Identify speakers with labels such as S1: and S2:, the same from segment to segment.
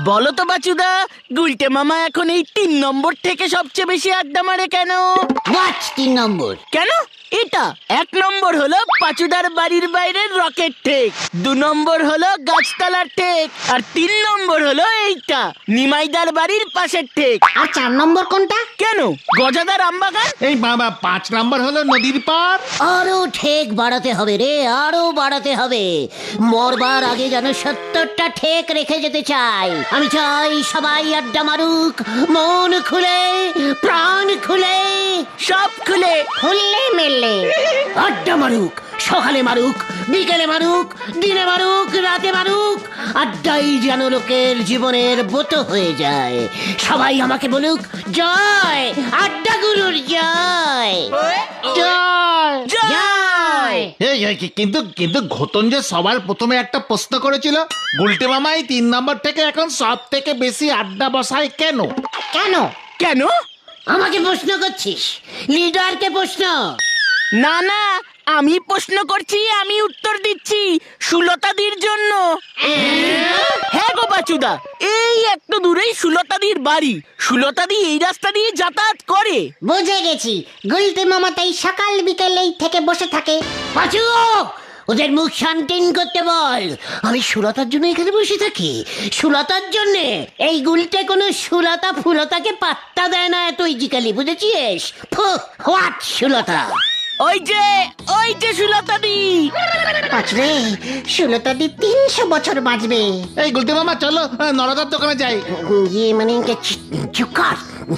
S1: বলো তো বাচুদা, গুলটে মামা এখন এই 3 নম্বর থেকে সবচেয়ে বেশি আড্ডা মারে কেন?
S2: হোয়াট 3 নম্বর?
S1: কেন? এটা 1 নম্বর হলো পাচুদার বাড়ির বাইরের রকেট ঠেক, 2 নম্বর হলো গাছতলার ঠেক, আর 3 নম্বর হলো এইটা নিমাইদার বাড়ির পাশের ঠেক।
S2: আর 4 নম্বর কোনটা?
S1: কেন? গজাদার আমবাগান।
S3: এই বাবা 5 নম্বর হলো নদীর পার।
S2: আরো ঠেক বাড়াতে হবে রে, আরো বাড়াতে হবে। মরবার আগে যেন 70টা ঠেক রেখে যেতে চাই। আমি চাই সবাই আড্ডা মারুক, মন খুলে, প্রাণ খুলে,
S1: সব খুলে।
S2: খুললে মেললে আড্ডা মারুক। সকালে মারুক, বিকেলে মারুক, দিনে মারুক, রাতে মারুক। আড্ডাই যেন লোকের জীবনের ব্রত হয়ে যায়। সবাই আমাকে বলুক জয়, আড্ডা গুরুর জয়,
S3: জয়।
S2: জয়।
S3: এই কিন্তু কিন্তু ঘোতন যে সবার প্রথমে একটা প্রশ্ন করেছিল, গুলটে মামাই 3 নম্বর থেকে এখন সব থেকে বেশি আড্ডা বসায় কেন?
S2: কেন?
S1: কেন?
S2: আমাকে প্রশ্ন করছিস? লিডারকে প্রশ্ন।
S1: না না, আমি প্রশ্ন করছি, আমি উত্তর দিচ্ছি। সুলতাদির জন্য। হ্যাঁ গো বাচুদা, এই একটু দূরেই সুলতাদির বাড়ি। সুলতাদি এই রাস্তা দিয়ে যাতায়াত করে।
S2: বুঝে গেছি, গুলতে মামা তাই সকাল বিকেল এই থেকে বসে থাকে। পাঁচু, ওদের মুখ শান্তিন করতে বল। আমি সুলতার জন্য এখানে বসে থাকি, সুলতার জন্য। এই গুলতে কোনো সুলতা ফুলতাকে পাত্তা দেয় না এত ইজিক্যালি, বুঝেছিস? হোয়াট সুলতা?
S1: ওই যে সুলতাদি।
S2: পাঁচরে, সুলতাদি 300 বছর বাঁচবে।
S3: এই গুলটে মামা চলো নরদার দোকানে যাই।
S2: ইয়ে মানে চুকার।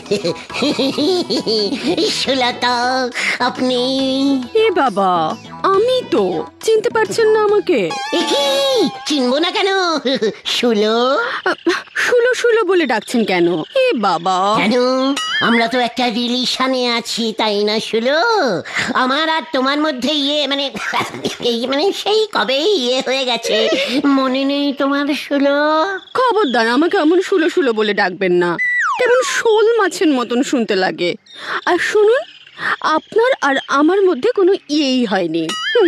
S2: সুলতা আপনি?
S4: এ বাবা, আমি তো চিনতে পারছেন না আমাকে?
S2: কি চিনবো না কেন? শুলো
S4: শুলো শুলো বলে ডাকছেন কেন? এ বাবা,
S2: কেন? আমরা তো একটা রিলেশনে আছি, তাই না শুলো? আমার আর তোমার মধ্যে মানে সেই কবে হয়ে গেছে, মনে নেই তোমার শুলো?
S4: খবরদার আমাকে এমন শুলো শুলো বলে ডাকবেন না, কেমন শোল মাছের মতন শুনতে লাগে। আর শুনুন, আপনার আর আমার মধ্যে কোনো ইয়েই হয়নি।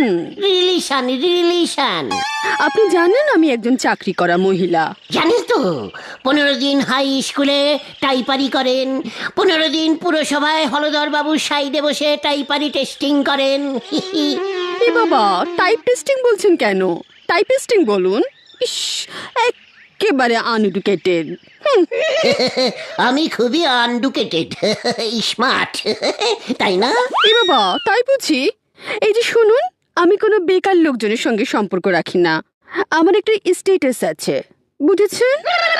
S2: রিলেশন।
S4: আপনি জানেন আমি একজন চাকরি করা মহিলা।
S2: জানিস তো, 15 দিন হাই স্কুলে টাইপারি করেন, 15 দিন পুরসভায় হলদর বাবুর সাইডে বসে টাইপারি টেস্টিং করেন।
S4: এ বাবা, টাইপ টেস্টিং বলছেন কেন? টাইপিস্টিং বলুন। ইস, একেবারে আনএডুকেটেড।
S2: আমি খুবই আনডুকেটেড, স্মার্ট, তাই না?
S4: এ বাবা, তাই বুঝি? এই যে শুনুন, আমি কোনো বেকার লোকজনের সঙ্গে সম্পর্ক রাখি না। আমার একটা স্ট্যাটাস আছে, বুঝেছেন?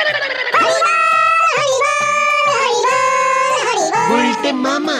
S2: গুলটে মামা।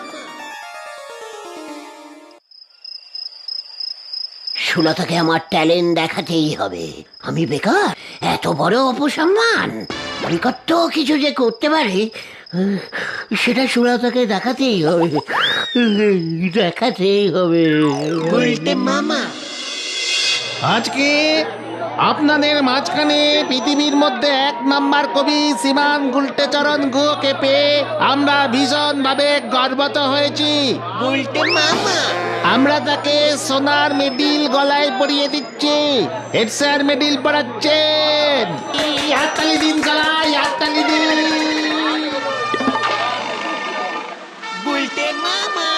S2: সুলতাকে আমার ট্যালেন্ট দেখাতেই হবে। আমি বেকার, এত বড় অপসম্মান। আমি কত কিছু যে করতে পারি, সেটা সুলতাকে দেখাতেই হবে, দেখাতেই হবে। গুলটে মামা।
S3: আজকে আপনাদের মাঝখানে পৃথিবীর মধ্যে 1 নম্বর কবি শ্রীমান গুলটেচরণ গুহকে পেয়ে আমরা ভীষণ ভাবে গর্বিত হয়েছি।
S2: গুলটে মামা।
S3: আমরা তাকে সোনার মেডেল গলায় পরিয়ে দিচ্ছি। হেড স্যার মেডেল পড়াচ্ছেন। হাততালি দিন গলায়, হাততালি দিন।
S2: গুলটে মামা।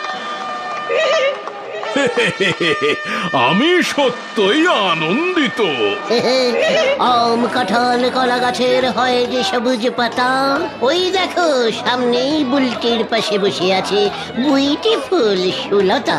S5: আমি সত্যই আনন্দিত।
S2: আম কাঁঠাল কলা গাছের হয় যে সবুজ পাতা, ওই দেখো সামনেই বুলটির পাশে বসে আছে বিউটিফুল সুলতা।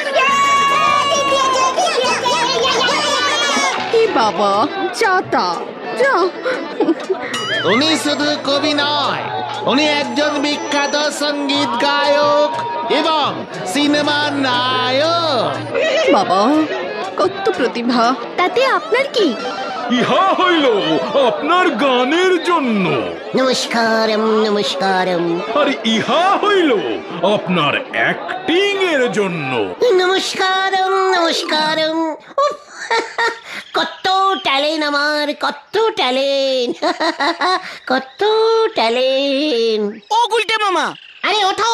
S4: এ বাবা, যাতা যা।
S3: উনি শুধু কবি নয়, উনি একজন বিখ্যাত সঙ্গীত গায়ক এবং সিনেমার নায়ক।
S4: বাবা, কত প্রতিভা! তাতে আপনার কি?
S5: ইহা হইল আপনার গানের জন্য,
S2: নমস্কারম নমস্কারম।
S5: আর ইহা হইল আপনার অ্যাক্টিং এর জন্য।
S2: নমস্কারম নমস্কারম। উফ, কত ট্যালেন্ট আমার, কত ট্যালেন্ট, কত ট্যালেন্ট।
S1: ও গুলটে মামা,
S2: আরে ওঠো।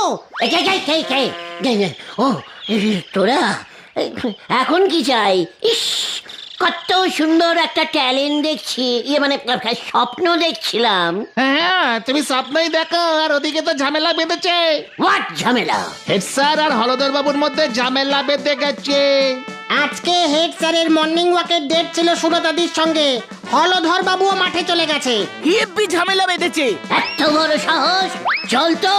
S2: ও তোরা এখন কি চাই? ইস, কত সুন্দর একটা ট্যালেন্ট দেখছি, মানে স্বপ্ন দেখছিলাম।
S3: হ্যাঁ, তুমি স্বপ্নই দেখো, আর ওদিকে তো ঝামেলা বেঁধেছে।
S2: হোয়াট ঝামেলা?
S3: হেড স্যার আর হলদর বাবুর মধ্যে ঝামেলা বেঁধে গেছে।
S6: আজকে হেড স্যারের মর্নিং ওয়াকের ডেট ছিল সুলতাদির সঙ্গে। হলধর বাবুও মাঠে চলে গেছে।
S1: হেব্বি ঝামেলা বেঁধেছে।
S2: এত বড় সাহস! চল তো।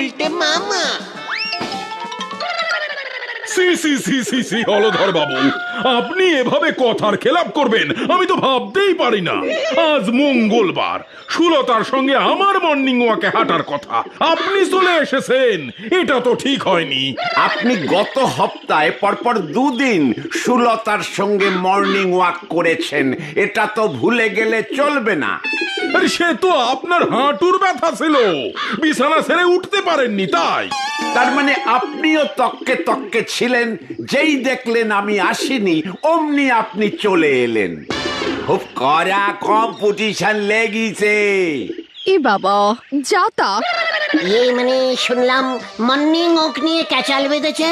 S5: সি সি সি সি সি হলধর বাবু, আপনি এভাবে কথার খেলাপ করবেন আমি তো ভাবতেই পারি না। আজ মঙ্গলবার, সুলতার সঙ্গে আমার মর্নিং ওয়াকে হাঁটার কথা, আপনি চলে এসেছেন, এটা তো ঠিক হয়নি।
S7: আপনি গত সপ্তাহে পরপর দুদিন সুলতার সঙ্গে মর্নিং ওয়াক করেছেন, এটা তো ভুলে গেলে চলবে না।
S5: আরে সে তো আপনার হাঁটুর ব্যথা ছিল, বিছানা ছেড়ে উঠতে পারেননি তাই।
S7: তার মানে আপনিও তককে তককে ছিলেন, যেই দেখলেন আমি আসিনি অমনি আপনি চলে এলেন। খুব কড়া কম্পিটিশন লেগেছে।
S4: এ বাবা, যা তা।
S2: মানে শুনলাম মর্নিং ওয়াক নিয়ে ক্যাচাল বেঁধেছে।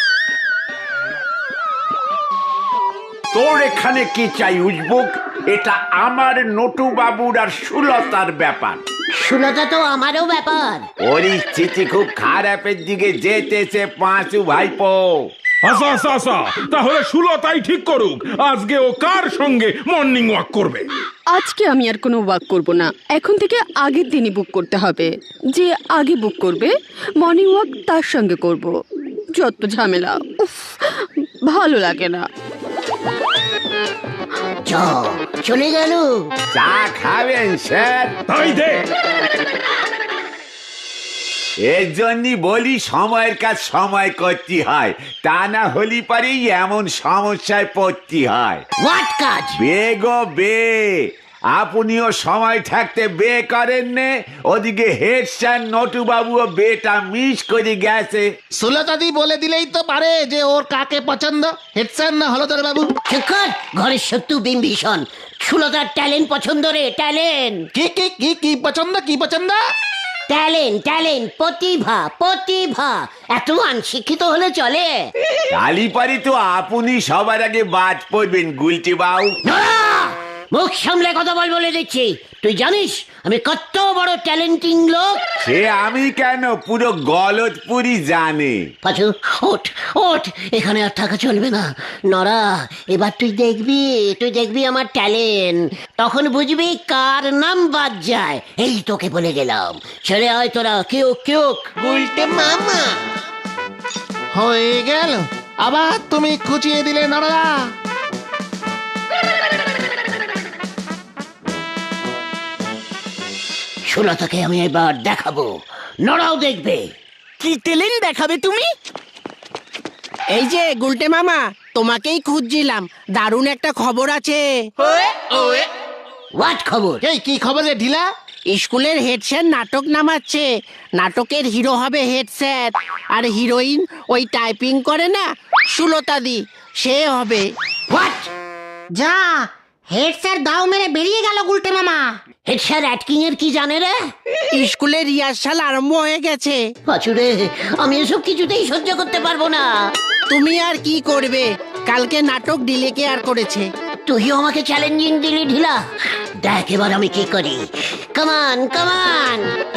S7: তোর এখানে কি চাই উজবুক? এটা আমার নটু বাবুর আর সুলতার ব্যাপার।
S2: সুলতা তো আমারও ব্যাপার।
S7: পরিস্থিতি খুব খারাপের দিকে যেতেছে পাঁচু ভাইপো।
S5: আচ্ছা আচ্ছা আচ্ছা, তাহলে সুলতাই ঠিক করুক আজকে ও কার সঙ্গে মর্নিং ওয়াক করবে।
S4: আজকে আমি আর কোনো ওয়াক করব না, এখন থেকে আগের দিনই বুক করতে হবে। যে আগে বুক করবে মর্নিং ওয়াক তার সঙ্গে করব। যত ঝামেলা, উফ, ভালো লাগে না।
S2: চলে গেল।
S7: চা খাবেন স্যার?
S5: তাই দে।
S7: এর জন্যই বলি সময়ের কাজ সময় করতে হয়, তা না হলে পারেই এমন সমস্যায় পড়তে হয়।
S2: হোয়াট কাজ?
S7: বেগো বে, আপনিও সময় থাকতে বে করেন নে, ওদিকে হেড স্যার নটু বাবুও বেটা মিস করে গেছে।
S3: সুলতাদি বলে দিলেই তো পারে যে ওর কাকে পছন্দ, হেড স্যার না হলদর বাবু।
S2: শিক্ষক, ঘরের শত্রু বিম্বিষণ। সুলতার ট্যালেন্ট পছন্দ রে, ট্যালেন্ট।
S3: কি কি কি কি পছন্দ, কি পছন্দ?
S2: ট্যালেন্ট, ট্যালেন্ট, প্রতিভা, প্রতিভা। এত অনশিক্ষিত হলে চলে?
S7: কালীপারি তো আপনি সবার আগে বাদ পড়বেন গুলটি বাবু।
S2: নড়া! মুখ সামলে কথা বলে দিচ্ছি। তুই জানিস আমি কত বড় ট্যালেন্টিং লোক?
S7: সে আমি কেন, পুরো গলতপুরি জানে।
S2: পাঁচু, ওঠ ওঠ, এখানে আর থাকা চলবে না। নরা, এবার তুই দেখবি আমার ট্যালেন্ট। তখন বুঝবি কার নাম বাদ যায়। এই তোকে বলে গেলাম, ছেড়ে আয় তোরা। কেউ উল্টে মামা।
S3: হয়ে গেল, আবার তুমি খুঁচিয়ে দিলে নড়া।
S2: সুলতাকে আমি এবার দেখাবো, নরাও দেখবে।
S1: কি ট্যালেন্ট দেখাবে তুমি?
S6: এই যে গুলটে মামা, তোমাকেই খুঁজছিলাম। দারুণ একটা খবর আছে।
S2: হোয়াট খবর?
S3: এই কি খবর রে ঢিলা?
S6: স্কুলের হেড স্যার নাটক নামাচ্ছে। নাটকের হিরো হবে হেড স্যার, আর হিরোইন ওই টাইপিং করে না সুলতাদি, সে হবে।
S2: হোয়াট?
S6: যা, হেড স্যার দাও মেরে বেরিয়ে গেল গুলটে মামা।
S2: হেড স্যার অ্যাক্টিং এর কি জানে রে?
S6: স্কুলের রিহার্সাল আরম্ভ হয়ে গেছে।
S2: পাঁচুরে, আমি এসব কিছুতেই সহ্য করতে পারবো না।
S6: তুমি আর কি করবে, কালকে নাটক ডিলে কেয়ার করেছে।
S2: তুইও আমাকে চ্যালেঞ্জিং দিলি ঢিলা। দেখ এবার আমি কি করি। কামান কামান।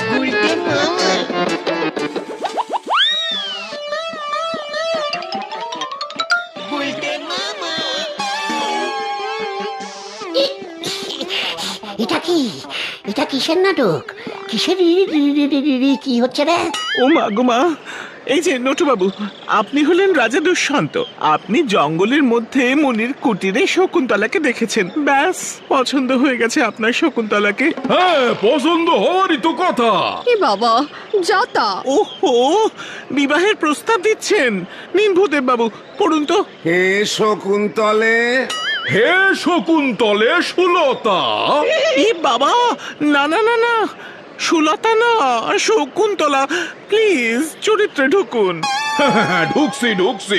S2: এটা কিসের নাটক? কিসের কি হচ্ছে রে?
S8: ও মা গো মা, এই যে নটুবাবু, আপনি হলেন রাজা দুষ্যন্ত। আপনি জঙ্গলের মধ্যে মুনির কুটিরে শকুন্তলাকে দেখেছেন, ব্যাস পছন্দ হয়ে গেছে আপনার শকুন্তলাকে।
S5: হ্যাঁ, পছন্দ হওয়ারই তো কথা।
S4: এ বাবা, যা তা।
S8: ওহো, বিবাহের প্রস্তাব দিচ্ছেন? নিন ভূদেব বাবু, পড়ুন তো।
S7: হে শকুন্তলে।
S5: হে শকুন্তলে সুলতা।
S8: এ বাবা, না না না না, সুলতা না, শকুন্তলা। প্লিজ চরিত্রে ঢুকুন।
S5: ঢুকছি।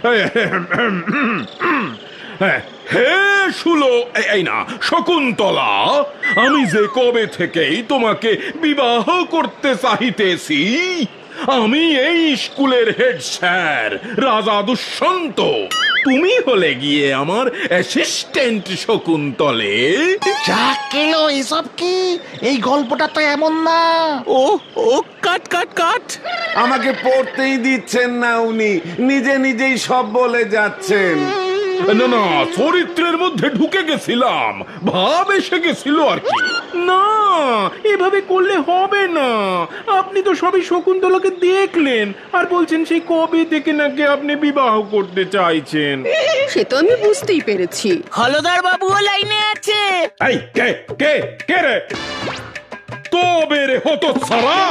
S5: হে এই না শকুন্তলা, আমি যে কবে থেকেই তোমাকে বিবাহ করতে চাহিতেছি। আমি এই স্কুলের হেড স্যার রাজা দুষ্যন্ত। তুমি হলে গিয়ে আমার অ্যাসিস্ট্যান্ট শকুন্তলে।
S3: যা কেলো এসব কি? এই গল্পটা তো এমন না।
S8: ও ও কাট কাট কাট।
S7: আমাকে পড়তেই দিচ্ছেন না উনি, নিজে নিজেই সব বলে যাচ্ছেন।
S5: না না, চরিত্রের মধ্যে ঢুকে গেছিলাম, ভাব এসে গেছিল আর কি। না, এভাবে করলে হবে না। আপনি তো সবই শকুন্তলাকে দেখলেন আর বলছেন সেই কবে থেকে নাকি আপনি বিবাহ করতে চাইছেন।
S4: সে তো আমি বুঝতেই পেরেছি।
S1: হলদর বাবুও লাইনে আছে।
S5: এই কে কে কে রে? তবে রে হতচ্ছাড়া!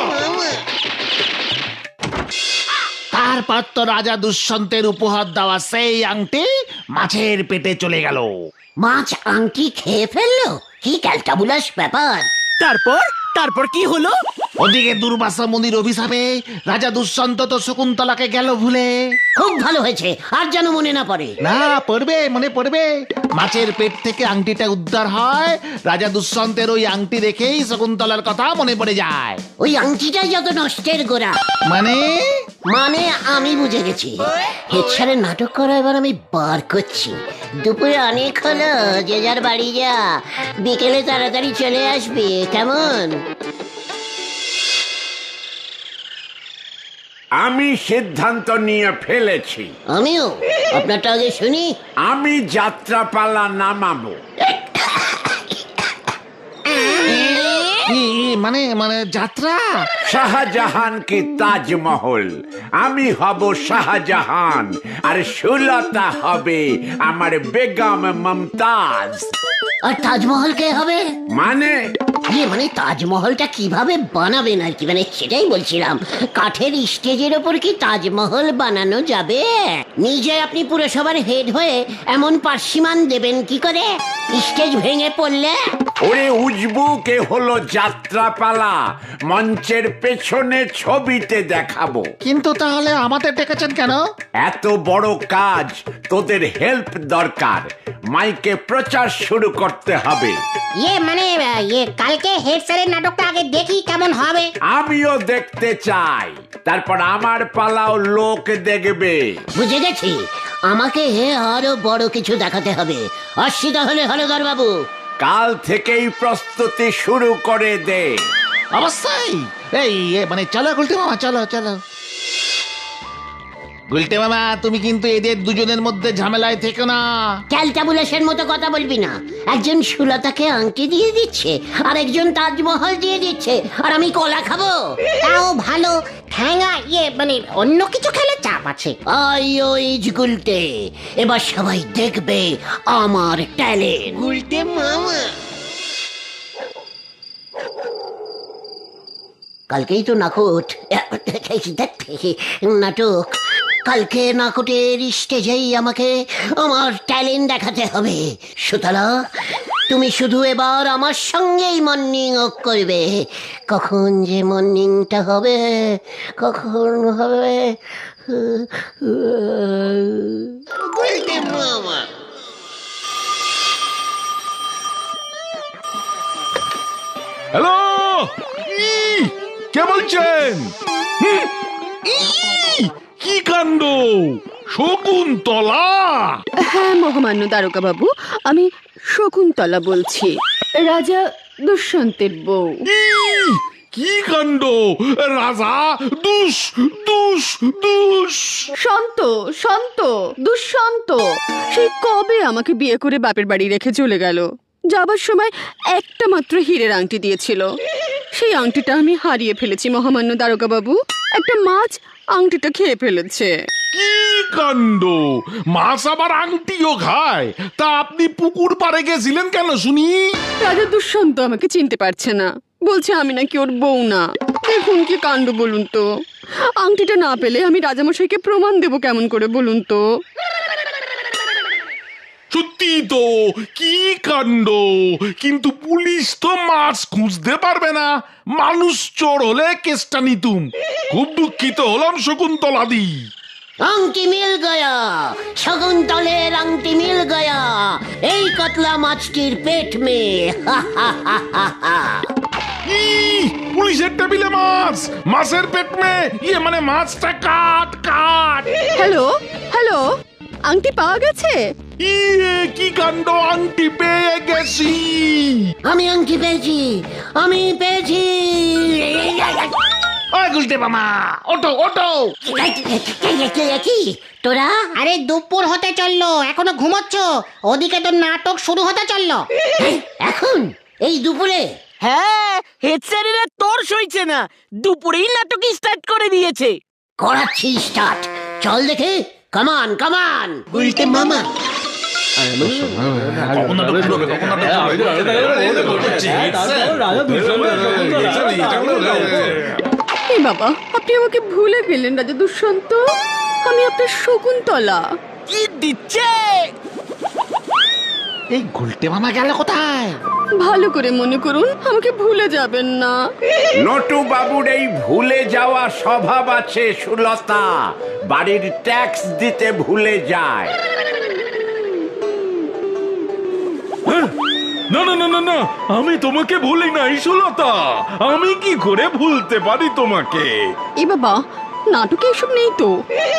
S3: তারপর তো রাজা দুষ্যন্তের উপহার দেওয়া সেই আংটি মাছের পেটে চলে গেল।
S2: মাছ আংটি খেয়ে ফেললো? কি ক্যালটাবুলাস ব্যাপার!
S1: তারপর তারপর কি হলো?
S3: ওদিকে দুর্বাসা মুনির অভিশাপে রাজা দুষ্যন্ত তো শকুন্তলাকে গেল ভুলে।
S2: খুব ভালো হয়েছে, আর যেন মনে না পড়ে।
S3: না, পড়বে, মনে পড়বে। মাছের পেট থেকে আংটিটা উদ্ধার হয়, রাজা দুষ্যন্তের ওই আংটি দেখেই শকুন্তলার কথা মনে পড়ে যায়।
S2: ওই আংটিটাই যত নষ্টের গোড়া।
S3: মানে
S2: মানে আমি বুঝে গেছি। হেড স্যারের নাটক করা এবার আমি বার করছি। দুপুরে অনেক হলো, যে যার বাড়ি যা, বিকেলে তাড়াতাড়ি চলে আসবি, কেমন?
S7: আমি সিদ্ধান্ত নিয়ে ফেলেছি,
S2: আমিও। আপনারটা আগে শুনি।
S7: আমি যাত্রাপালা নামাবো।
S3: কি মানে মানে যাত্রা?
S7: শাহজাহান কি তাজমহল, আমি হব শাহজাহান আর সুলতা হবে আমার বেগম মমতাজ।
S2: আর তাজমহল কে হবে?
S7: মানে
S2: মানে তাজমহলটা কিভাবে বানাবেন আর কি, মানে সেটাই বলছিলাম। কাঠের স্টেজের ওপর কি তাজমহল বানানো যাবে? নিজে আপনি পুরসভার হেড হয়ে এমন পার্সিমান দেবেন কি করে স্টেজ ভেঙে পড়লে?
S7: ওরে উজবুকে হলো যাত্রাপালা, মঞ্চের পেছনে ছবিতে দেখাবো।
S3: কিন্তু তাহলে আমাদের ডেকেছেন কেন?
S7: এত বড় কাজ, তোদের হেল্প দরকার। মাইকে প্রচার শুরু করতে হবে।
S2: মানে কালকে হেড স্যারের নাটকটা আগে দেখি কেমন হবে।
S7: আমিও দেখতে চাই, তারপর আমার পালাও লোক দেখবে।
S2: বুঝে গেছি, আমাকে আরো বড় কিছু দেখাতে হবে। আসছি তাহলে হলদর বাবু।
S7: কাল থেকেই প্রস্তুতি শুরু করে দে।
S3: অবশ্যই। এই মানে চলো গুলটে মামা, চলো চলো। গুলটে মামা, তুমি কিন্তু এদের দুজনের মধ্যে ঝামেলায় থেকো না।
S2: ক্যালটাবুলেশন মতো কথা বলবি না। একজন সুলতাকে আংটি দিয়ে দিচ্ছে, আর একজন তাজমহল দিয়ে দিচ্ছে, আর আমি কলা খাবো? তাও ভালো, ঠ্যাঙা মানে অন্য কিছু খেলে চাপ আছে। গুলটে, এবার সবাই দেখবে আমার ট্যালেন্ট। গুলটে মামা, কালকেই তো নাটক। কালকে নাটকের স্টেজেই আমাকে আমার ট্যালেন্ট দেখাতে হবে। সুতলা, তুমি শুধু এবার আমার সঙ্গেই মর্নিং ওয়াক করবে। কখন যে মর্নিংটা হবে, কখন হবে।
S5: হ্যালো, কে বলছেন? কি কাণ্ড! শকুন্তলা!
S4: হ্যাঁ মহামান্য দারোগা বাবু, আমি শকুন্তলা বলছি, রাজা দুষ্যন্তের বউ।
S5: কি কাণ্ড! রাজা দুষ দুষ দুষ!
S4: শান্ত শান্ত, দুষ্যন্ত সেই কবে আমাকে বিয়ে করে বাপের বাড়ি রেখে চলে গেল। যাবার সময় একটা মাত্র হীরের আংটি দিয়েছিল, সেই আংটিটা আমি হারিয়ে ফেলেছি মহামান্য দারোগা বাবু। একটা মাছ আংটিটা খেয়ে ফেলেছে।
S5: কি কাণ্ড! মাছ আবার আংটিও খায়? তা আপনি পুকুর পাড়ে গেছিলেন কেন শুনি?
S4: রাজা দুষ্যন্ত আমাকে চিনতে পারছে না, বলছে আমি নাকি ওর বউ না। দেখুন কি কাণ্ড বলুন তো। আংটিটা না পেলে আমি রাজামশাইকে প্রমাণ দেব কেমন করে বলুন তো।
S5: সত্যি তো, কি কাণ্ড! কিন্তু পুলিশ তো মাছ খুঁজতে পারবে না, মানুষ চোর হলে কেসটা নিতুম। খুব দুঃখিত হলাম শকুন্তলাদি।
S2: আংটি মিল গয়া, শকুন্তলের আংটি মিল গয়া এই কতলা মাছটির পেট মে।
S5: পুলিশের টেবিলে মাছ, মাছের পেট মে, মানে মাছটা কাট কাট।
S4: হ্যালো হ্যালো, আংটি পাওয়া গেছে?
S3: ইয়ে, কি কাণ্ড, আংটি পেয়ে গেছি।
S2: আমি আংটি পেয়েছি, আমি পেয়েছি।
S3: ওই গুলটে মামা, ওটো ওটো।
S2: কি তোরা?
S6: আরে দুপুর হতে চললো, এখনো ঘুমোচ্ছ? ওদিকে তো নাটক শুরু হতে চললো।
S2: এখন এই দুপুরে?
S1: হ্যাঁ, হেড স্যারেরা তোর সইছে না, দুপুরেই নাটক স্টার্ট করে দিয়েছে।
S2: করাচ্ছি স্টার্ট, চল দেখে। কামান কামান।
S6: উল্টে মামা,
S4: এই বাবা, আপনি আমাকে ভুলে গেলেন রাজা দুষ্যন্ত। আমি আপনার শকুন্তলা।
S1: কি দিচ্ছে?
S3: এই গুলটে মামা গেল কোথায়?
S4: ভালো করে মনে করুন, আমাকে ভুলে যাবেন না।
S7: নটু বাবুর এই ভুলে যাওয়া স্বভাব আছে সুলতা, বাড়ির ট্যাক্স দিতে ভুলে যায়।
S5: না না না না না, আমি তোমাকে ভুলি নাই সুলতা। আমি কি করে ভুলতে পারি তোমাকে?
S4: এ বাবা, নাটকে এসব নেই তো।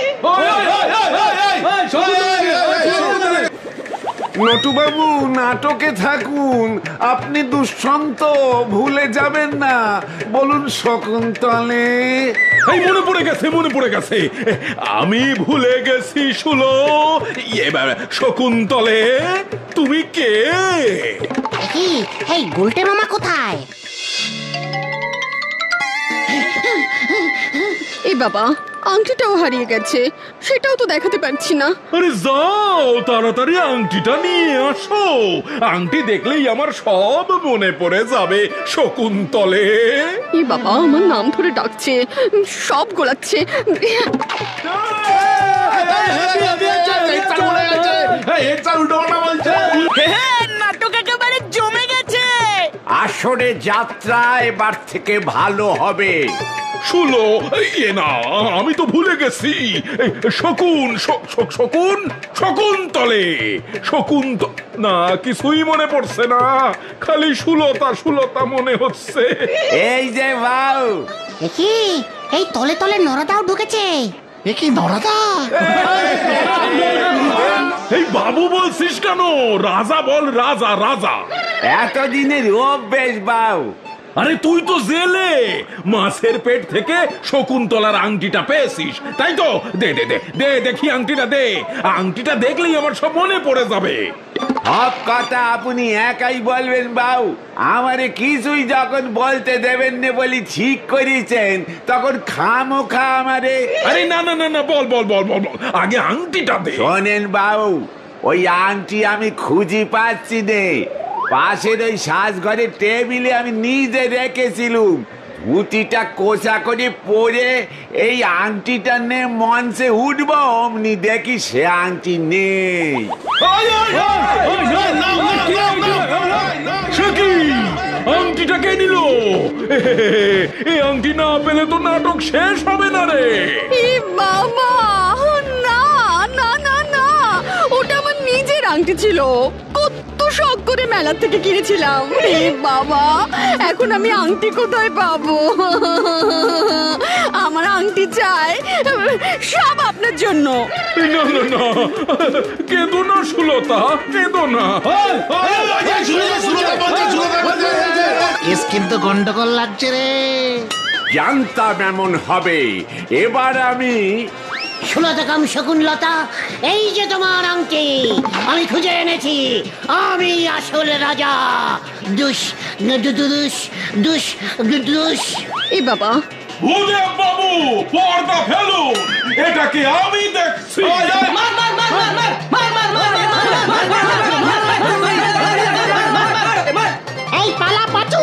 S7: নটু বাবু নাটকে থাকুন, আপনি দুষ্যন্ত ভুলে যাবেন না। বলুন শকুন্তলে।
S5: এই মনে পড়ে গেছে, মনে পড়ে গেছে। আমি ভুলে গেছি শুলো। শকুন্তলে, তুমি কে?
S6: কি এই গুলটে মামা কোথায়?
S4: এই বাবা, আংটিটাও হারিয়ে গেছে, সেটাও তো দেখাতে পারছি না।
S5: আরে যাও, তাড়াতাড়ি আংটিটা নিয়ে আসো। আংটি দেখলেই আমার সব মনে পড়ে যাবে শকুন্তলে।
S4: এই বাবা, আমার নাম ধরে ডাকছে, সব গোলাচ্ছে।
S1: হ্যাঁ, নাটক একেবারে জমে গেছে।
S7: আসরে যাত্রা এবার থেকে ভালো হবে।
S5: শুলো, না, আমি তো ভুলে গেছি। শকুন, শকুন, শকুন্তলে, শকুন্ত, না, কিছুই মনে পড়ছে না, খালি সুলতা সুলতা মনে হচ্ছে।
S7: এই যে বাউ,
S6: কি এই তলে তলে নরদাও ঢুকেছে।
S3: এ কি নরাদা?
S5: এই বাবু বলছিস কেন? রাজা বল, রাজা রাজা।
S7: এতদিনের অভ্যেস বাউ।
S5: আরে তুই তো জেলে, মাছের পেট থেকে শকুন্তলার আংটিটা পেয়েছিস, তাই তো? দে দে দে দে, দেখি আংটিটা দে। আংটিটা দেখলেই আমার সব মনে পড়ে যাবে।
S7: সব কথা আপনি একাই বলবেন বাউ। আমারে কিছুই যখন বলতে দেবেন না বলি ঠিক করেছেন, তখন খামোখা আমারে।
S5: আরে না না না না, বল বল বল বল বল, আগে আংটিটা দে।
S7: শোনেন বাউ, ওই আংটি আমি খুঁজি পাচ্ছি নে। পাশের ওই সাজঘরের টেবিলে আমি নিজে রেখেছিলুম। পুঁতিটা কোষা করে পরে এই আংটিটা নে মঞ্চে উঠবো, অমনি দেখি সে আংটি নেই।
S5: সে কি? আংটিটা কে নিল? এই আংটি না পেলে তো নাটক শেষ হবে না রে।
S4: এ বাবা, না না না না, ওটা আমার নিজের আংটি ছিল। কত শখ করে মেলা থেকে কিনেছিলাম। এ বাবা, এখন আমি আংটি কোথায় পাবো? আমার আংটি চাই, সব আপনার জন্য।
S5: না না না, কেঁদো না সুলতা, কেঁদো না।
S3: কেস কিন্তু গন্ডগোল লাগছে রে।
S7: জানতাম এমন হবে। এবার আমি
S2: সুলতা কাম শকুনলতা, এই যে তোমার আংটি, আমি খুঁজে এনেছি। আমি আসল রাজা। দুষ দুষ দুষ দুষ।
S4: এ বাবা,
S5: ভূদেব বাবু, পর্দা ফেলুন, এটাকে আমি দেখছি।
S6: এই পালা পাচু।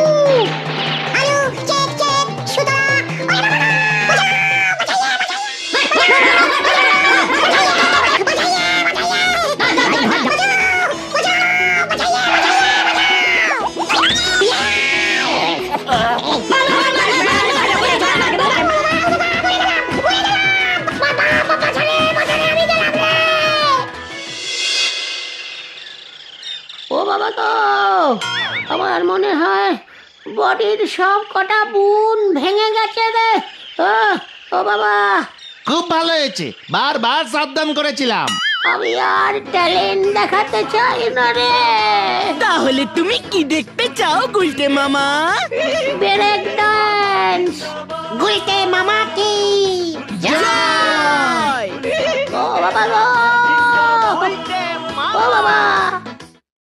S2: ও বাবা গো, আমার মনে হয় বডির সব কটা বুন ভেঙে গেছে রে। ও বাবা,
S3: খুব ভালো হয়েছে, বারবার সাবধান করেছিলাম।
S2: আমি আর ট্যালেন্ট দেখাতে চাই না রে।
S1: তাহলে তুমি কি দেখতে চাও গুলটে মামা?
S2: Break dance. গুলতে মামা কি